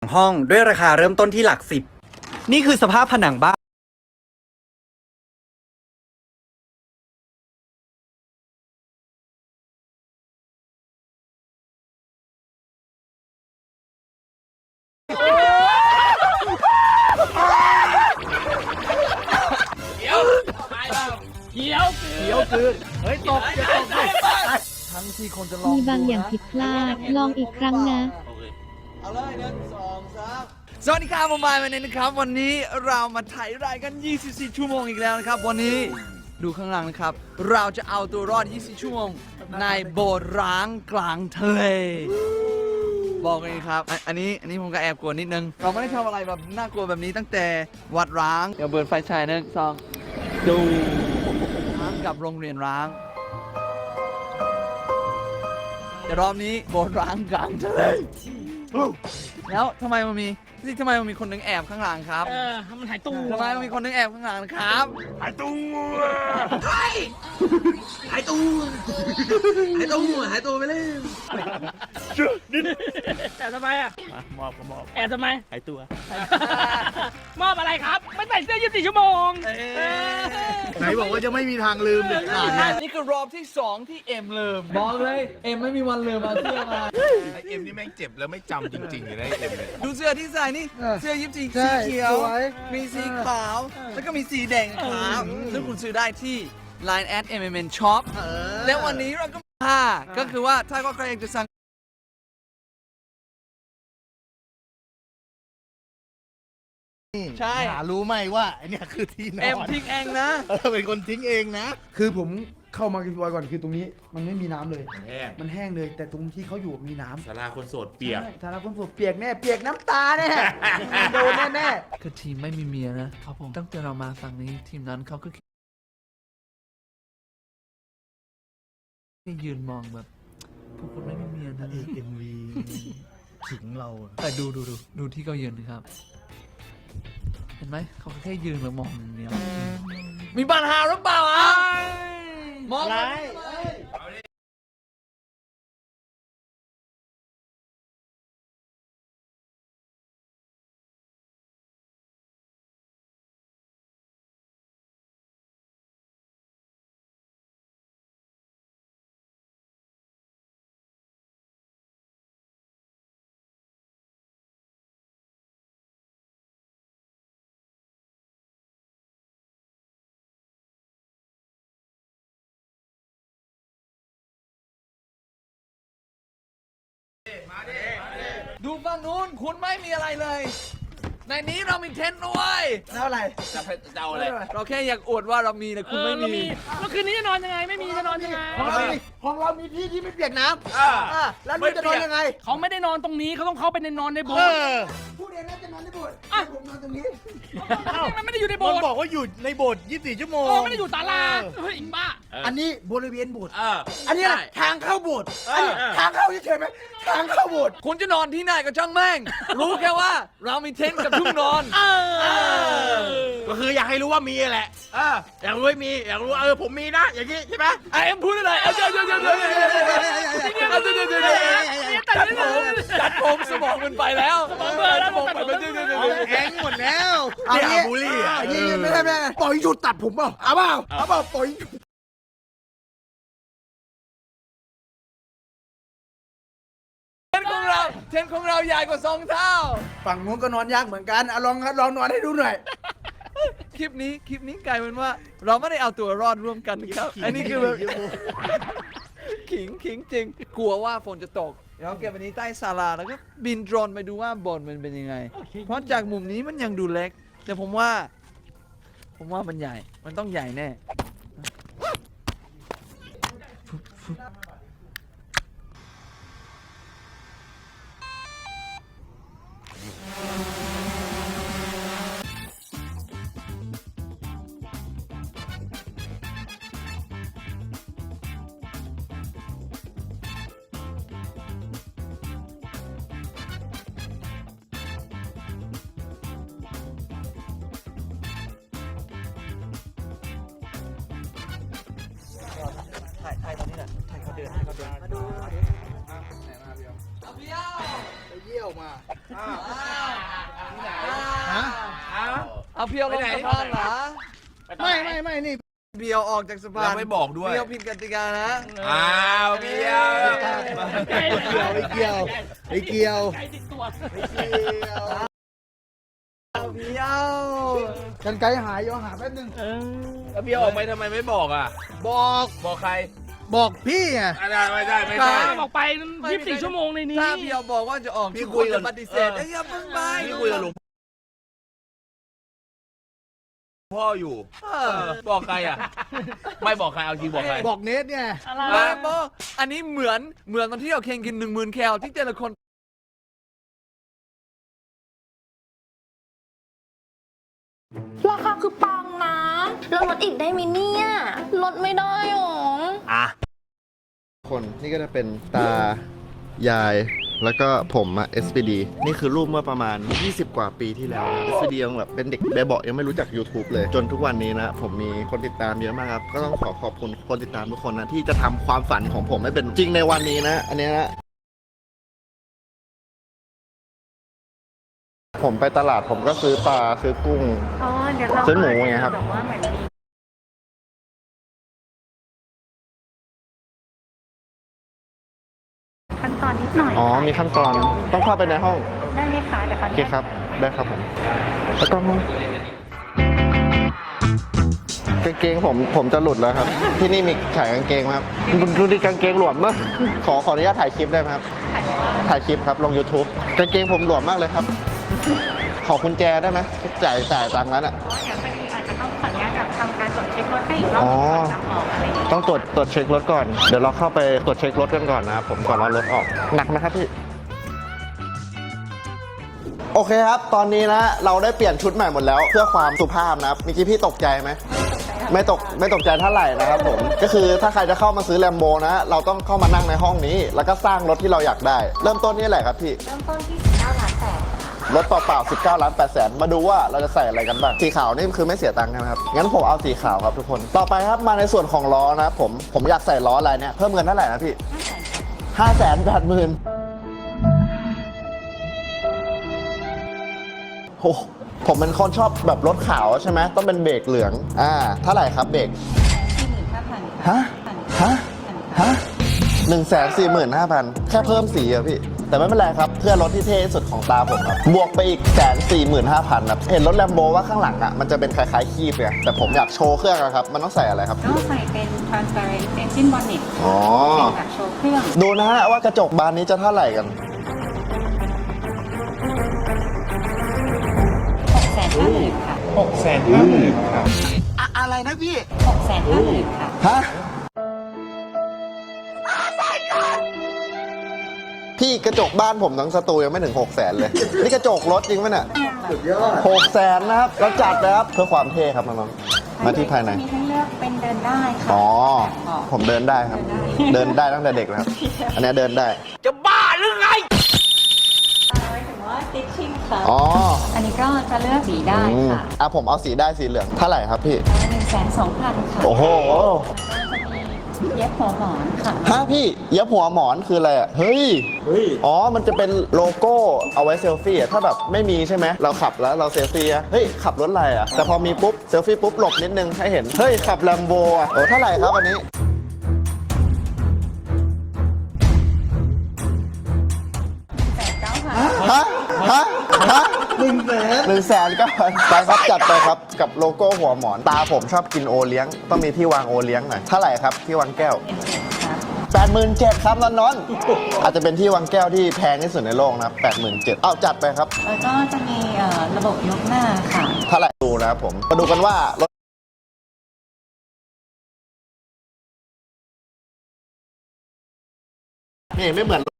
ห้องด้วยราคาเริ่มต้นที่หลักสิบนี่คือสภาพผนังบ้านเขียวคือเฮ้ยตกจะตกเลยทั้งที่คนจะลองมีบางอย่างผิดพลาด ลองอีกครั้งนะเอาเลย1 2 3สวัสดีครับผมบายวันนี้นะครับ วันนี้เรามาถ่ายรายกัน24 ชั่วโมงอีกแล้วนะครับ วันนี้ดูข้างหลังนะครับ เราจะเอาตัวรอด24 ชั่วโมงในโบสถ์ร้างกลางทะเลบอกเลยครับอันนี้ผมก็แอบกลัวนิดนึงเราไม่ได้ทำอะไรแบบน่ากลัวแบบนี้ตั้งแต่วัดร้างเดี๋ยวเบิร์นไฟฉาย1 2ดูร้างกับโรงเรียนร้างแต่รอบนี้โบสถ์ร้างกลางทะเลแล้วทำไมมันมีคนนึงแอบข้างหลังครับมันหายตู้ทำไมมันมีคนนึงแอบข้างหลังครับหายตู้หายตู้ไปเลยแต่ทำไมอ่ะมอบก็มอบแอบทำไมหายตัวมอบอะไรครับไม่ใส่เสื้อ24 ชั่วโมงไหนบอกว่าจะไม่มีทางลืมเด็ดขาดไงนี่คือรอบที่ 2 ที่เอ็มลืมบอกเลยเอ็มไม่มีวันลืมเอาเสื้อมาไอเอ็มนี่แม่งเจ็บแล้วไม่จำจริงๆเลยนะไอเอ็มเลยดูเสื้อที่ใส่นี่เสื้อยิปซีสีเขียว มีสีขาว แล้วก็มีสีแดงขาวซึ่งคุณซื้อได้ที่ Line @MMN Shop แล้ววันนี้เราก็ก็คือว่าถ้าใครอยากจะสั่งใช่หารู้ไหมว่าไอเนี่ยคือที่นอนเอ็มทิ้งเองนะเป็นคนทิ้งเองนะคือผมเข้ามากินบอยก่อนคือตรงนี้มันไม่มีน้ำเลยแห้งมันแห้งเลย แต่ตรงที่เขาอยู่มีน้ำสาราคนโสดเปียกใช่ฐานะคนสดเปียกแน่เปียกน้ำตาแน่ โดนแน่คือทีมไม่มีเมียนะครับผมตั้งแต่เรามาฝั่งนี้ทีมนั้นเขาก็แค่ยืนมองแบบพวกคุณไม่มีเมียนะเอ็มวีขิงเราอะแต่ดูที่เขายืนนะครับเห็นไหมเขาแค่ยืนแล้วมองอย่างเดียวมีปัญหาหรือเปล่าอ่ะมองอะไรดูฝั่งนู้นคุณไม่มีอะไรเลย ในนี้เรามีเทนต์ด้วยๆแล้วอะไรจะเอาอะไรเราแค่อยากอวดว่าเรามีแต่คุณไม่มีแล้วคืนนี้จะนอนยังไงไม่มีจะนอนยังไงของเรามีที่ที่ไม่เปียกน้ำแล้วนี่จะนอนยังไงเขาไม่ได้นอนตรงนี้เขาต้องเข้าไปในนอนในโบสถ์พูดเองนะจะนอนในโบสถ์ผมนอนตรงนี้มันไม่ได้อยู่ในโบมัสนถ์บอกว่าอยู่ในโบสถ์24 ชั่วโมงไม่ได้อยู่ศาลาเฮ้ยบ้าอันนี้บริเวณโบสถ์อันนี้อะไรทางเข้าโบสถ์อันนี้ทางเข้าเฉยๆไหมทางเข้าโบสถ์คุณจะนอนที่ไหนก็ช่างแม่ง รู้แค่ว่าเรามีเทนท์กับทุ่งนอนก็คืออยากให้รู้ว่ามีแหละอยากรู้ว่ามีอยากรู้ว่าผมมีนะอย่างนี้ใช่ไหมเอ็มพูดอะไรเดี๋ยวจัดผมสมองมันไปแล้วสมองไปเดี๋ยวแห้งหมดแล้วเอาเนี่ยงี้บูลลี่อ่ะนี่ไม่ได้ปล่อยหยุดตัดผมเปล่าเอาเปล่าปล่อยเทนท์ของเราใหญ่กว่า2 เท่าฝั่งนู้นก็นอนยากเหมือนกันลองนอนให้ดูหน่อยคลิปนี้กลายเป็นว่าเราไม่ได้เอาตัวรอดร่วมกันครับ อันนี้คือแบบขิงจริง กลัวว่าฝนจะตกเดี๋ยวเก็บอันนี้ใต้ศาลาแล้วก็บินโดรนไปดูว่าโบสถ์มันเป็นยังไง เพราะจากมุมนี้มันยังดูเล็ก แต่ผมว่ามันใหญ่ มันต้องใหญ่แน่ถ่ายตอนนี้แหละถ่ายเขาเดินมาดูเอาเบี้ยวไปเยี่ยวมาเอาเพียวลงสะพานเหรอไม่นี่เบียวออกจากสะพานเราไม่บอกด้วยเบียวผิดกติกานะอ้าวเบียวไม่เกี่ยวใจติดตัวเบียวกันไกลหายหาแป๊บนึงแล้วเบียวออกไปทำไมไม่บอกอ่ะ บอกใครบอกพี่ไงไม่ได้ออกไป24 ชั่วโมงในนี้ถ้าเบียวบอกว่าจะออกพี่ทุกคุคนยกับจะปฏิเสธอย่าเพิ่งไปพี่คุยกับหลวงพ่ออยู่ บอกใครอ่ะ ไม่บอกใครเอาจริงบอกใครบอกเนทเนี่ยไม่บอกอันนี้เหมือนตอนที่เราเคนกิน10,000 แคลที่แต่ละคนราคาคือปังนะ แล้วลดอีกได้ไหมเนี่ยลดไม่ได้หรอคนนี่ก็จะเป็นตายายแล้วก็ผมอะ SPD นี่คือรูปเมื่อประมาณ 20 กว่าปีที่แล้วนะ SPD ยังแบบเป็นเด็กแบบเบาะยังไม่รู้จัก YouTube เลย จนทุกวันนี้นะ ผมมีคนติดตามเยอะมากครับ ก็ต้องขอบคุณคนติดตามทุกคนนะ ที่จะทำความฝันของผมให้เป็นจริงในวันนี้นะ อันนี้นะ ผมไปตลาดผมก็ซื้อปลาซื้อกุ้ง ซื้อหมูไงครับขั้นตอนนิดหน่อยอ๋อ มีขั้นตอนต้องเข้าไปในห้องได้ไหมคะเดี๋ยวโอเคครับ ได้ครับผม แล้วก็กางเกงผมจะหลุดแล้วครับ ที่นี่มีขายกางเกงไหมครับดูดิกางเกงหลวมมากขออนุญาตถ่ายคลิปได้ไหมครับ ถ่ายคลิปครับลง YouTube กางเกงผมหลวมมากเลยครับ ขอกุญแจได้ไหมจ่ายตังค์นั้นอ่ะเดี๋ยวพอดีอาจจะต้องขออนุญาตทำการตรวจเช็ครถให้อีกรอบอ๋อก่อนนำออกอะไรอย่างเงี้ยต้องตรวจเช็ครถก่อน เดี๋ยวเราเข้าไปตรวจเช็ครถกันก่อนนะครับผมก่อนเอารถออก หนักไหมครับพี่ โอเคครับ ตอนนี้นะเราได้เปลี่ยนชุดใหม่หมดแล้ว เพื่อความสุภาพนะครับเมื่อกี้พี่ตกใจไหม ไม่ตกใจเท่าไหร่นะครับผม ก็คือถ้าใครจะเข้ามาซื้อแลมโบนะ เราต้องเข้ามานั่งในห้องนี้ แล้วก็สร้างรถที่เราอยากได้ เริ่มต้นนี่แหละครับพี่เริ่มต้นที่19 ล้าน8 รถเปล่าๆ19 ล้าน8แสนมาดูว่าเราจะใส่อะไรกันบ้าง สีขาวนี่คือไม่เสียตังค์ใช่ไหมครับ งั้นผมเอาสีขาวครับทุกคน ต่อไปครับมาในส่วนของล้อนะครับผมอยากใส่ล้ออะไรเนี่ยเพิ่มเงินเท่าไหร่นะพี่ 580,000โอ้ผมเป็นคนชอบแบบรถขาวใช่ไหมต้องเป็นเบรกเหลืองเท่าไหร่ครับเบรก 45,000 ฮะ 145,000 แค่เพิ่มสีอะพี่ แต่ไม่เป็นไรครับ เพื่อรถที่เท่ที่สุดของตาผมครับ บวกไปอีก145,000ครับ เห็นรถแลมโบว่าข้างหลังอะมันจะเป็นคล้ายๆคีบเลยแต่ผมอยากโชว์เครื่องอะครับ มันต้องใส่อะไรครับก็ใส่เป็น transparent engine bonnet อ๋อเป็นแบบโชว์เครื่องดูนะฮะว่ากระจกบานนี้จะเท่าไหร่กัน 650,000 ค่ะอะไรนะพี่ 650,000 ค่ะฮะ พี่กระจกบ้านผมทั้งสตูยังไม่ถึง600,000เลย นี่กระจกรถจริงไหมเนี่ยสุดยอด600,000นะครับเราจัดนะครับเพื่อความเท่ครับน้องๆมาที่ภายในมีให้เลือกเป็นเดินได้ค่ะอ๋อ ผมเดินได้ครับ เดินได้ตั้งแต่เด็กแล้วครับ อันนี้เดินได้จะบ้าหรือไงหมายถึงว่า stitching ค่ะอ๋ออันนี้ก็จะเลือกสีได้ค่ะผมเอาสีได้สีเหลืองเท่าไหร่ครับพี่ 120,000 ค่ะโอ้โหก็จะมีเย็บหัวหมอนค่ะฮะพี่เย็บหัวหมอนคืออะไรอ่ะ เฮ้ย อ๋อ มันจะเป็นโลโก้เอาไว้เซลฟี่อ่ะ ถ้าแบบไม่มีใช่ไหม เราขับแล้วเราเซลฟี่อ่ะ เฮ้ย ขับรถอะไรอ่ะ แต่พอมีปุ๊บเซลฟี่ปุ๊บหลบนิดนึงให้เห็น เฮ้ย ขับแลมโบอ่ะ โอ้เท่าไหร่ครับอันนี้ ฮะ 100,000ก็ไปครับจัดไปครับกับโลโก้หัวหมอนตาผมชอบกินโอเลี้ยงต้องมีที่วางโอเลี้ยงหน่อยเท่าไหร่ครับที่วางแก้ว 87,000ครับนนท์อาจจะเป็นที่วางแก้วที่แพงที่สุดในโลกนะครับ87,000เอาจัดไปครับแล้วก็จะมีระบบยกหน้าค่ะเท่าไหร่ดูนะครับผมมาดูกันว่ารถนี่ไม่เหมือน